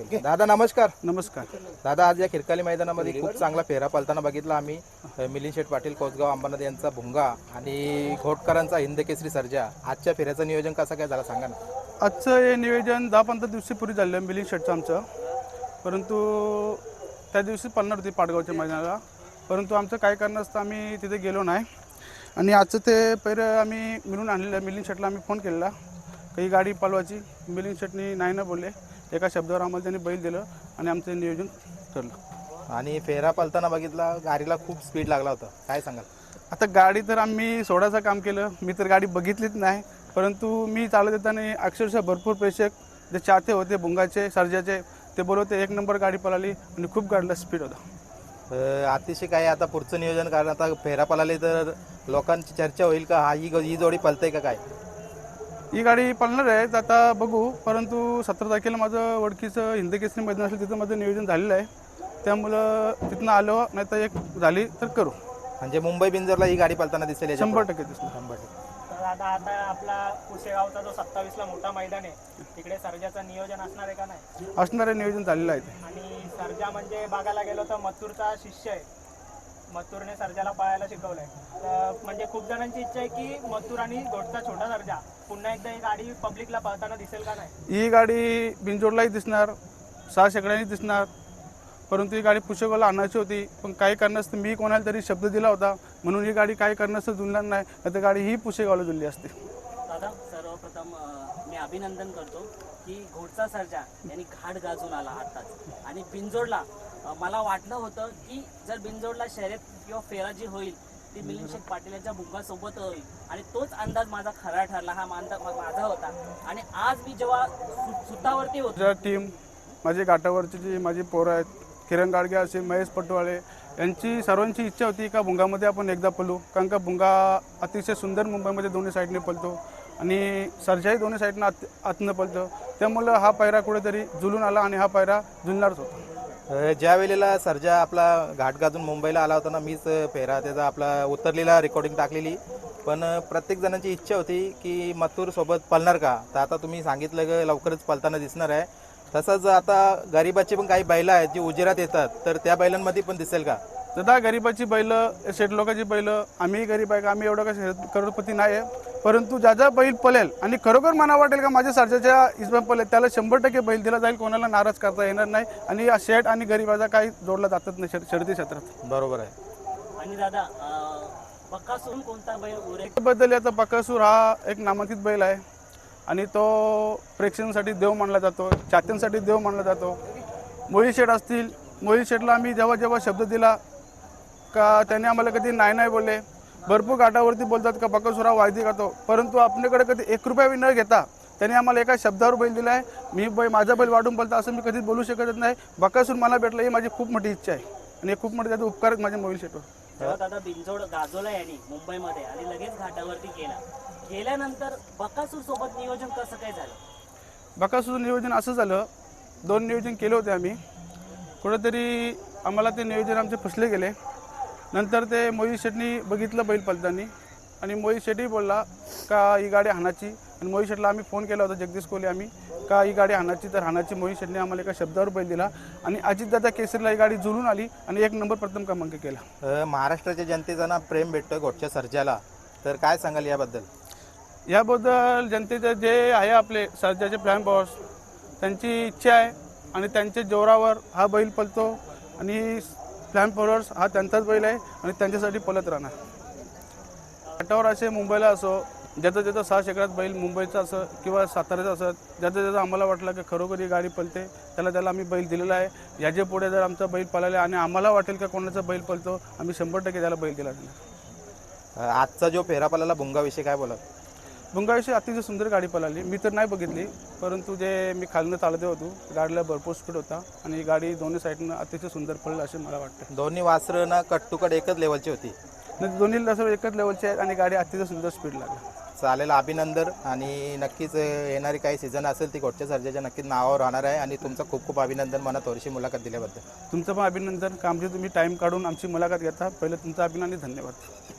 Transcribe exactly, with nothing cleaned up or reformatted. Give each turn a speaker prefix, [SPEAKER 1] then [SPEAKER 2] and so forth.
[SPEAKER 1] दादा नमस्कार.
[SPEAKER 2] नमस्कार
[SPEAKER 1] दादा, आज या खिरकाली मैदानामध्ये खूप चांगला फेरा पलताना बघितला आम्ही. मिलिंद शेठ पाटील कोसगाव अंबरनाथ यांचा भुंगा आणि घोटकरांचा हिंद केसरी सर्जा. आजच्या फेऱ्याचं नियोजन कसं काय झालं सांगा ना.
[SPEAKER 2] आजचं हे नियोजन दहा पंधरा दिवसापूर्वी झालं मिलिंद शेठचं आमचं, परंतु त्या दिवशी पळणार होती पाटगावच्या मैदानाला, परंतु आमचं काय कारणास्तव आम्ही तिथे गेलो नाही. आणि आजचं ते पहिलं आम्ही मिळून आणलेलं. मिलिंद शेठला आम्ही फोन केलेला काही गाडी पालवायची. मिलिंद शेठनी नाही ना बोलले. एका शब्दावर आम्हाला त्यांनी बैल दिलं आणि आमचं नियोजन ठरलं.
[SPEAKER 1] आणि फेरा पलताना बघितला गाडीला खूप स्पीड लागला होता, काय सांगाल?
[SPEAKER 2] आता गाडी तर आम्ही सोडायचं काम केलं. मी तर गाडी बघितलीच नाही, परंतु मी चालत येताना अक्षरशः भरपूर प्रेक्षक जे चाहते होते भुंगाचे सर्जाचे ते बोलवते एक नंबर गाडी पळाली आणि खूप गाडीला स्पीड होता.
[SPEAKER 1] अतिशय काय आता पुढचं नियोजन, कारण आता फेरा पळाली तर लोकांची चर्चा होईल का हा ही ही जोडी पलतय का काय?
[SPEAKER 2] ही गाडी पळणार आहे आता बघू, परंतु सतरा तारखेला माझं ओळखीचं हिंद केसरी मैदान असेल तिथं माझं नियोजन झालेलं आहे. त्यामुळं तिथनं आलो नाही तर एक झाली तर करू.
[SPEAKER 1] म्हणजे मुंबई बिंजरला ही गाडी पलताना दिसेल?
[SPEAKER 2] शंभर टक्के दिसणार.
[SPEAKER 1] शंभर टक्के.
[SPEAKER 3] तर आता आता आपला पुसेगावचा जो सत्तावीसला मोठा मैदान आहे तिकडे सर्जाचं नियोजन असणार आहे का नाही?
[SPEAKER 2] असणारे नियोजन झालेलं आहे.
[SPEAKER 3] आणि सर्जा म्हणजे बघायला गेलो तर मथुरचा शिष्य आहे. मथुरने सर्जाला पळायला शिकवलंय. तर म्हणजे खूप जणांची इच्छा आहे की मथुर आणि घोटचा छोटा सर्जा पुन्हा एकदा ही गाडी पब्लिकला पळताना दिसेल का नाही?
[SPEAKER 2] ही गाडी बिंजोडलाही दिसणार, सहा शेकड्यांनी दिसणार, परंतु ही गाडी पुसेगावला आणायची होती. पण काही कारणास्तव मी कोणाला तरी शब्द दिला होता म्हणून ही गाडी काही कारणास्तव जुळणार नाही, नाही तर गाडी ही पुसेगावला जुळली असते.
[SPEAKER 4] दादा, सर्वप्रथम मी अभिनंदन करतो की घोटचा सर्जा यांनी घाट गाजून आला आताच. आणि बिंजोडला मला वाटलं होतं की जर बिंजोडला शर्यत किंवा फेरा जी होईल ती मिलिंद शेठ पाटील यांच्या भुंगासोबत होईल, आणि तोच अंदाज माझा खरा ठरला. हा मानता माझा होता. आणि आज मी जेव्हा सुतावरती होतो,
[SPEAKER 2] टीम माझी घाटावरची जी माझी पोरं आहेत, किरण गाडगे असेल, महेश पटवाळे, यांची सर्वांची इच्छा होती का भुंगामध्ये आपण एकदा पळू. कारण का भुंगा अतिशय सुंदर मुंबईमध्ये दोन्ही साईडने पळतो आणि सर्जाही दोन्ही साईडनं आत आतनं पळतो. त्यामुळं हा पायरा कुठेतरी जुळून आला आणि हा पायरा जुळणारच होता.
[SPEAKER 1] ज्या वेळेला सर्जा आपला घाट गाजून मुंबईला आला होता ना, मीच फेरा त्याचा आपला उतरलेला रेकॉर्डिंग टाकलेली. पण प्रत्येक जणांची इच्छा होती की मथुर सोबत पळणार का. तर आता तुम्ही सांगितलं की लवकरच पळताना दिसणार आहे. तसंच आता गरीबाची पण काही बैलं आहेत जी उजेरात येतात, तर त्या बैलांमध्ये पण दिसेल का?
[SPEAKER 2] दादा, गरीबाची बैलं, शेठ लोकांची बैलं, आम्ही गरीब आहे का, आम्ही एवढं का करोडपती नाही आहे, परंतु ज्या ज्या बैल पळेल आणि खरोखर मना वाटेल का माझ्या सर्जाच्या इस्मा पळेल त्याला शंभर टक्के बैल दिला जाईल. कोणाला नाराज करता येणार नाही. आणि या शेठ आणि गरीबाचा काही जोडला जातच नाही शर्यती क्षेत्रात.
[SPEAKER 1] बरोबर आहे.
[SPEAKER 4] आणि दादा बकासूर कोणता बैल उरेल
[SPEAKER 2] बद्दल आता बकासूर हा एक नामांकित बैल आहे आणि तो प्रेक्षकांसाठी देव मानला जातो, चाहत्यांसाठी देव मानला जातो. मोहित शेठ असतील, मोहित शेठला आम्ही जेव्हा जेव्हा शब्द दिला का त्याने आम्हाला कधी नाही नाही बोलले. भरपूर घाटावरती बोलतात का बकासूर हा वायदी करतो, परंतु आपल्याकडे कधी एक रुपया न घेता त्याने आम्हाला एका शब्दावर बैल दिला आहे. मी बैल माझा बैल वाढून बोलता असं मी कधीच बोलू शकत नाही. बकासूर मला भेटलं ही माझी खूप मोठी इच्छा आहे आणि खूप मोठे त्याचा उपकार माझ्या मोहित शेठवर.
[SPEAKER 4] तेव्हा दादा बिंजोड गाजवला यांनी मुंबईमध्ये आणि लगेच घाटावरती गेला. गेल्यानंतर बकासूर सोबत नियोजन कसं काय झालं?
[SPEAKER 2] बकासूरचं नियोजन असं झालं, दोन नियोजन केले होते आम्ही. कुठंतरी आम्हाला ते नियोजन आमचे फसले गेले. नंतर ते मोहित शेठनी बघितलं बैल पळताना आणि मोहित शेठही बोलला का ही गाडी हाणाची. आणि मोहित शेठला आम्ही फोन केला होता, जगदीश कोहली आम्ही, का ही गाडी हाणाची तर हाणाची. मोहित शेठने आम्हाला एका शब्दावर बैल दिला आणि अजितदादा केसरीला ही गाडी जुळून आली आणि एक नंबर प्रथम क्रमांक केला.
[SPEAKER 1] महाराष्ट्राच्या जनतेचा ना प्रेम भेटतं घोटच्या सर्जाला, तर काय सांगाल याबद्दल?
[SPEAKER 2] याबद्दल जनतेचं जे आहे आपले सर्जाचे फ्लॅम बॉस त्यांची इच्छा आहे आणि त्यांच्या जोरावर हा बैल पळतो आणि फ्लॅम फॉलोअर्स हा त्यांचाच बैल आहे आणि त्यांच्यासाठी पळत राहणार. घाटावर असे मुंबईला असो, ज्याचं ज्याचं सहा शेकड्यात बैल मुंबईचं असं किंवा साताऱ्याचं असत, ज्याचं ज्याचं आम्हाला वाटलं की खरोखर ही गाडी पळते त्याला त्याला आम्ही बैल दिलेला आहे. याच्या पुढे जर आमचा बैल पळाला आणि आम्हाला वाटेल का कोणाचा बैल पळतो, आम्ही शंभर टक्के त्याला बैल दिला जाणार.
[SPEAKER 1] आजचा जो फेरा पळाला भुंगाविषयी काय बोला?
[SPEAKER 2] भुंगाविषयी अतिशय सुंदर गाडी पळाली. मी तर नाही बघितली, परंतु जे मी खालनं चालत होतो गाडीला भरपूर स्पीड होता आणि गाडी दोन्ही साईडनं अतिशय सुंदर पळली असे मला वाटतं.
[SPEAKER 1] दोन्ही वासरं ना कट टू कट एकच लेवलची होती.
[SPEAKER 2] दोन्ही लसर एकच लेवलचे आहेत आणि गाडी अतिशय सुंदर स्पीड लागली.
[SPEAKER 1] चालेल, अभिनंदन. आणि नक्कीच येणारी काही सीझन असेल ती घोटच्या सर्जाच्या नक्कीच नावावर राहणार आहे. आणि तुमचं खूप खूप अभिनंदन मला थोडीशी मुलाखत दिल्याबद्दल.
[SPEAKER 2] तुमचं पण अभिनंदन. कामजी तुम्ही टाईम काढून आमची मुलाखत घेता, पहिलं तुमचं अभिनंदन, धन्यवाद.